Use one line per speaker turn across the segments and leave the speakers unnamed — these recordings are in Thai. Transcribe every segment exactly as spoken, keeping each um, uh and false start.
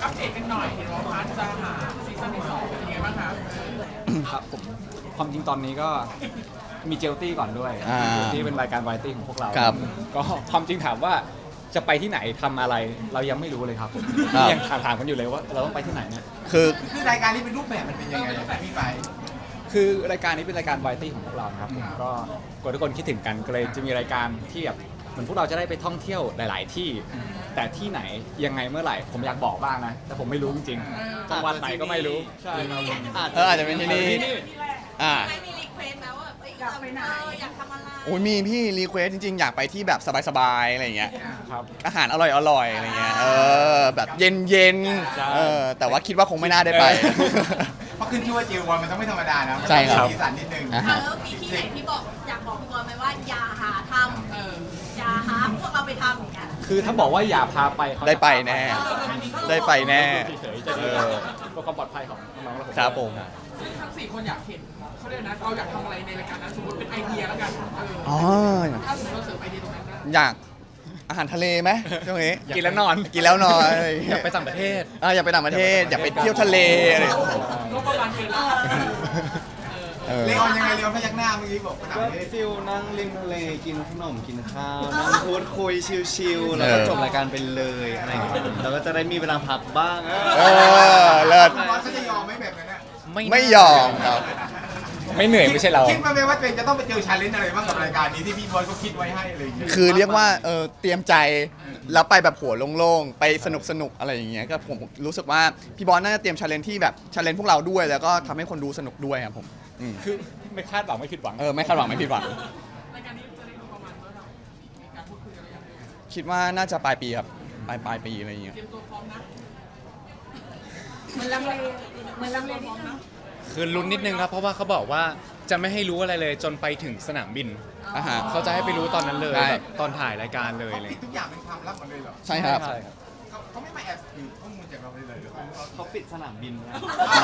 อัปเดตกันหน่อยเห็นว่าพาร์ทจะหาซีซั่นที่สองเป็นยังไงบ้างคะ
ครับผมความจริงตอนนี้ก็มีเจลตี้ก่อนด้วยที่เป็นรายการวาไรตี้ของพวกเราก็ความจริงถามว่าจะไปที่ไหนทำอะไรเรายังไม่รู้เลยครับผมยังถามถามกันอยู่เลยว่าเราต้องไปที่ไหนเนี่ย
คือ
คือรายการนี้เป็นรูปแบบมันเป็นยังไงพี่ไป
คือรายการนี้เป็นรายการวาไรตี้ของพวกเราครับผมก็กลัวทุกคนคิดถึงกันก็เลยจะมีรายการที่แบบเหมือนพวกเราจะได้ไปท่องเที่ยวหลาย ๆ ที่แต่ที่ไหนยังไงเมื่อไหร่ผมอยากบอกบ้างนะแต่ผมไม่รู้จริงๆจังหวัดไหนก็ไม่รู้ใช่ครับ
เอออาจจะเป็นที่นี่อ่า
ไม่มีรีเควสต์นะว่าอยากไปไหนอยากทำอะไร
โอ้ยมีพี่รีเควสจริงๆอยากไปที่แบบสบายๆอะไรอย่างเงี้ย
ครับ
อาหารอร่อยๆอะไรเงี้ยเออแบบเย็นๆเออแต่ว่าคิดว่าคงไม่น่าได้ไป
เพราะขึ้นชื่อว่าเจลบอลมันต้องไม่ธรรมดานะ
ใช่ครับ
สีสันนิดนึง
แล้วมีที่ไหนที่บอกอยากบอกพี่บอลไหมว่าอย่าหาทำอย่าหาพวกเราไปทำอย่างเงี้ย
คือถ้าบอกว่าอย่าพาไป
ได้ไปแน่ได้ไปแน่
เฉยๆจะดีเพื่อความปลอดภัยของน้องๆและผม
ครับผม
ซึ่งทั้งสี่คนอยากเห็นเขาเรียกนะเราอยากทำอะไรในรายการนั้นสมมติเป็นไอเดียแล้วกัน
อ๋อ
ถ้าสมมติเราเสริมไอเดียตรงนั้นได้
อยากอาหารทะเลไหมช่วงนี้
กินแล้วนอน
กินแล้วนอน
อยากไปต่างประเทศ
อ่าอยากไปต่างประเทศอยากไปเที่ยวทะเลอะไร
ก็ประมาณเป็นละ
เลออนยังไงเลออนพยักหน้าเมื่อกี้บอก
ก็ฟิลนั่งริมทะเลกินขนมกินข้าวนั่งพูดคุยชิลๆแล้วก็จบรายการไปเลยอะไรอย่างเงี้ยแล้วก็จะได้มีเวลาพักบ้าง
เออเลิศ
บอลเขาจะยอมไหมแบบนั้นนะ
ไม่ยอมครับ
ไม่เหนื่อยไม่ใช่เรา
คิดมาไหมว่าตัวเองจะต้องไปเจอชาเลนจ์อะไรบ้างกับรายการนี้ที่พี่บอลเขาคิดไว้ให้อะไรอย่างเงี้ย
คือเรียกว่าเออเตรียมใจแล้วไปแบบหัวโล่งๆไปสนุกสนุกอะไรอย่างเงี้ยก็ผมรู้สึกว่าพี่บอลน่าจะเตรียมชาเลนจ์ที่แบบชาเลนจ์พวกเราด้วยแล้วก็ทำให้คนดูสนุกด้วยครับผม
คือไม่คาดหวังไม่ผิดหวัง
เออไม่คาดหวังไม่ผิดหวัง
รายการนี้จะได้ประมาณเมื่อไหร่มีการพูดคุยอะไรอย่างเงี้ย
คิดว่าน่าจะปลายปีครับปลายปลายปีอะไรอย่างเงี้ย
เตรียมตัวพร้อมนะ
เหมือนลังเลเหมือนลังเลนิดนึง
คือลุ้นนิดนึงครับเพราะว่าเขาบอกว่าจะไม่ให้รู้อะไรเลยจนไปถึงสนามบินเขาจะให้ไปรู้ตอนนั้นเลยแบบตอนถ่ายรายการเลยเลย
ทุกอย่างเป็นความลับหมดเลยเหรอ
ใช่ครับ
เขาไม่มาแอบถือข้อมูลจากเราเลยเหรอ
เขาปิดสนามบินนะ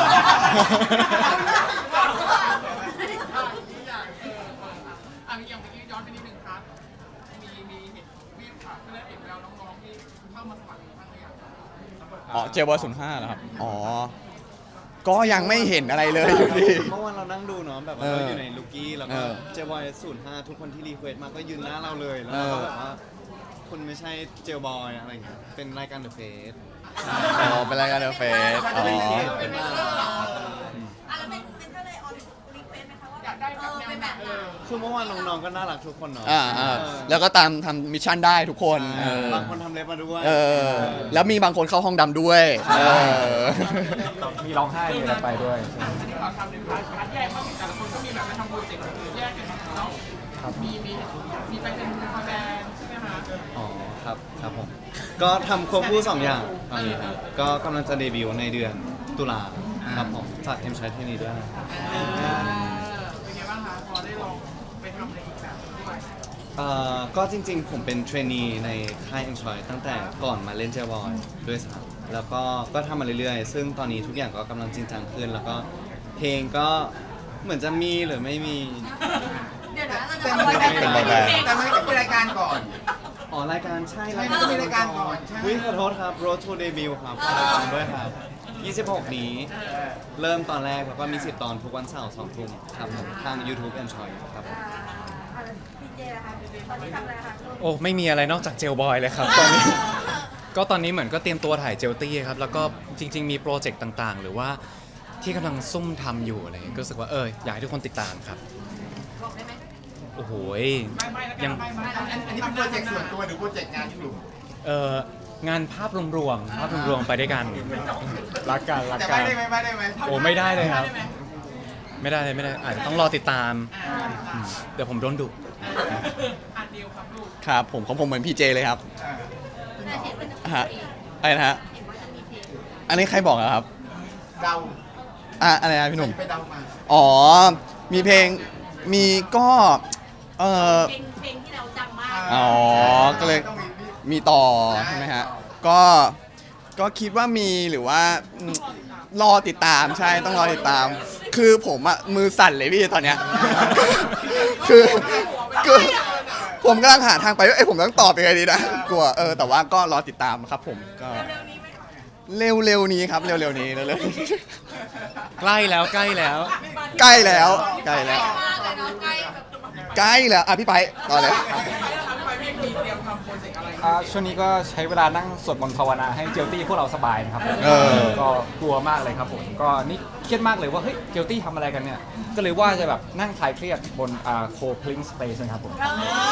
อ่ะอย่างเมื่อกี้ย้อนไปนิดนึงครับมีมีเห็นมีค่ะก็เลยเห็นแล้วน้องๆที่เข้ามาสมัครบ้างหรือยัง
อ๋อเจลบอลศูนย์ห้าเหรอครับอ๋อก็ยังไม่เห็นอะไรเลยอยู่ดี
เมื่อวานเรานั่งดูเนาะแบบว่าเราอยู่ในลูกี้แล้วก็เจลบอยศูนย์ห้าทุกคนที่รีเควสมาก็ยืนหน้าเราเลยแล้วก็แบบว่าคุณไม่ใช่เจลบอยอะไรอย่างเงี้ยเป็นรายการเดอะเฟส
อ๋อเป็นรายการเดอะเฟสอ๋อ
เป็นแบบอ่ะแล้วเป็นเป็นเท่าไรออนรีเควสไหมคะว่าอยากได้แบบเป็นแบบไหน
คือเมื่อวานน้องๆก็น่ารักทุกคนเนาะ
อ่าแล้วก็ตามทำมิชชั่นได้ทุกคน
บางคนทำเล็บมาด้วย
เออแล้วมีบางคนเข้าห้องดำด้วย
มีร้องไห้มีอะไรไปด้วย
อันนี้ขอทำเป็นพาร์ทพาร์ทแยกบ้างแต่ละคนก็มีแบบมาทำโปรเจกต์แยกกันเนาะมีมีมีไปเป็นคอแบนใช่ไหมคะ
อ๋อครับครับผมก็ทำควบคู่สองอย่างตอนนี้ครับก็กำลังจะเดบิวต์ในเดือนตุลาครับผมฝากเอ็มชายที่นี่ด้วย
เป็นไงบ้างคะพอได้ลองไปทำอะไรอีกแบบด้วย
เอ่อก็จริงๆผมเป็นเทรนนีในค่าย Enjoy ตั้งแต่ก่อนมาเล่นเจลบอยด้วยซ้ำแล้วก็ก็ทำมาเรื่อยๆซึ่งตอนนี้ทุกอย่างก็กำลังจริงจังขึ้นแล้วก็เพลงก็เหมือนจะมีหรือไม่มี
เดี๋ยวนะ
แต่ไม่เป็นรายการก่อน
อ๋อรายการใช่
ใช่ต้องมีรายการก่อนใช่
วิขอโทษครับ Road to Debut ครับฝากติดตามด้วยครับยี่สิบหกนี้เริ่มตอนแรกแล้วก็มีสิบตอนทุกวันเสาร์สองทุ่มครับผมทาง YouTube Enjoy ครับ
พี่เจนะคะตอนนี้ทำอะไรคะ
โอ้ไม่มีอะไรนอกจากเจลบอยเลยครับตอนนี้ก็ตอนนี้เหมือนก็เตรียมตัวถ่ายเจลตี้ครับแล้วก็จริงๆมีโปรเจกต์ต่างๆหรือว่าที่กำลังซุ่มทำอยู่อะไรก็รู้สึกว่าเอออยากให้ทุกคนติดตามครับ
บอกได้ไหม
โอ้โห
ยั
งอันนี้เป็นโปรเจกต์ส่วนตัวหรือโปรเจกต์งานกลุ่ม
เอองานภาพรวมๆภาพรวมๆไปด้วยกัน
รักกันรัก
กัน
แต่
ไม่ได้ไหมไม่ได้ไหม
โอ้ไม่ได้เลยครับไม่ได้เลยไม่ได้อาจจะต้องรอติดตามเดี๋ยวผมโดนดุ
อันเดียวครับลูก
ครับผมของผมเหมือนพี่เจเลยครับฮะอะไรนะฮะอันนี้ใครบอกอะครับ
เดา
อ่ะอะไรนะพี่หนุ่ม
ไปเดามา
อ๋อมีเพลงมีก็เออ
เพลงที่เราจำมาก
อ๋อก็เลยมีต่อใช่ไหมฮะก็ก็คิดว่ามีหรือว่ารอติดตามใช่ต้องรอติดตาม คือผมอะมือสั่นเลยพี่ตอนเนี้ยคือคือผมกำลังหาทางไปว่าเอ้ผมต้องตอบยังไงดีนะกลัวเออแต่ว่าก็รอติดตามครับผมก็เร็วๆนี้ครับเร็วๆนี้เร็วๆนี้
ใกล้แล้วใกล้แล้ว
ใกล้แล้วใกล้แล้ว
มากเลยเนาะใกล้แบบ
ใกล้แล้วอ่ะพี่ไปต่อเลย
ไปแล้วครับไปพี่มีเตรียมทำโปรเจกต์อะไร
อ่าช่วงนี้ก็ใช้เวลานั่งสวดมนต์ภาวนาให้เจลตี้พวกเราสบายนะครับ
เออ
ก็กลัวมากเลยครับผมก็นี่เครียดมากเลยว่าเฮ้ยเจลตี้ทำอะไรกันเนี่ยก็เลยว่าจะแบบนั่งคลายเครียดบนอ่าโคพลิงสเปซนะครับผม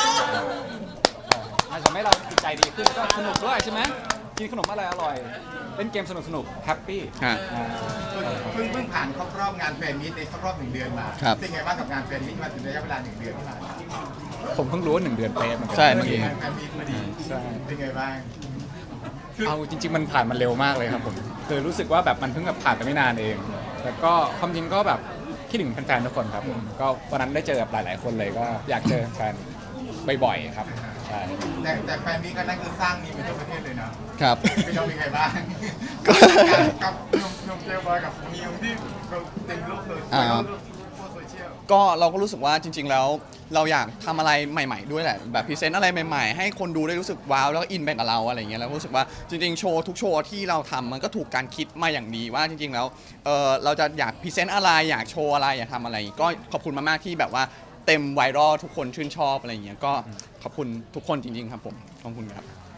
มันทำให้เราจิตใจดีขึ้นก็สนุกด้วยใช่ไหมกินขนมอะไรอร่อยเล่นเกมสนุกสนุกแฮปปี้
ฮะ
เพิ่งเพิ่งผ่านครบรอบงานแฟนมีตในครบรอบหนึ่งเดือนมา
ครับ
เป็นไงบ้างกับงานแฟนมีตมาถึงระยะเวลาหนึ่งเดือนที่ผ่านมา
ผมเพิ่งรู้ว่าหนึ่งเดือนเป๊ะเหมือนกั
ใช่เมื่อกี้
งานแฟนมีตมาดี
ใช่
เป็นไงบ้าง
เอาจริง ๆ มันผ่านมาเร็วมากเลยครับผมคือรู้สึกว่าแบบมันเพิ่งแบบผ่านไปไม่นานเองแล้วก็ความจริงก็แบบคิดถึงแฟนๆทุกคนครับผมก็วันนั้นได้เจอกับหลาย ๆ คนเลยก็อยากเจอแฟนบ่อยๆครับใช่
แต่แต่แฟนมีตก็นั่นคือสร้างมีเป็นทั่วประเทศเลยนะครับ พี่น้องเป็นไงบ้าง
ก็
กับหนุ่มหนุ่มเจลบอยกับนิวที่เราเต็มโลกเลย
อ่า
โลกโซเชียล
ก็เราก็รู้สึกว่าจริง ๆ แล้วเราอยากทำอะไรใหม่ ๆ ด้วยแหละแบบพรีเซนต์อะไรใหม่ๆ ให้คนดูได้รู้สึกว้าวแล้วก็อินไปกับเราอะไรอย่างเงี้ยแล้วก็รู้สึกว่าจริงๆโชว์ทุกโชว์ที่เราทำมันก็ถูกการคิดมาอย่างดีว่าจริง ๆ แล้วเออเราจะอยากพรีเซนต์อะไรอยากโชว์อะไรอยากทำอะไร ก็ขอบคุณมากๆที่แบบว่าเต็มไวรัลทุกคนชื่นชอบอะไรอย่างเงี้ยก็ขอบคุณทุกคนจริง ๆ ครับผมขอบคุณครับ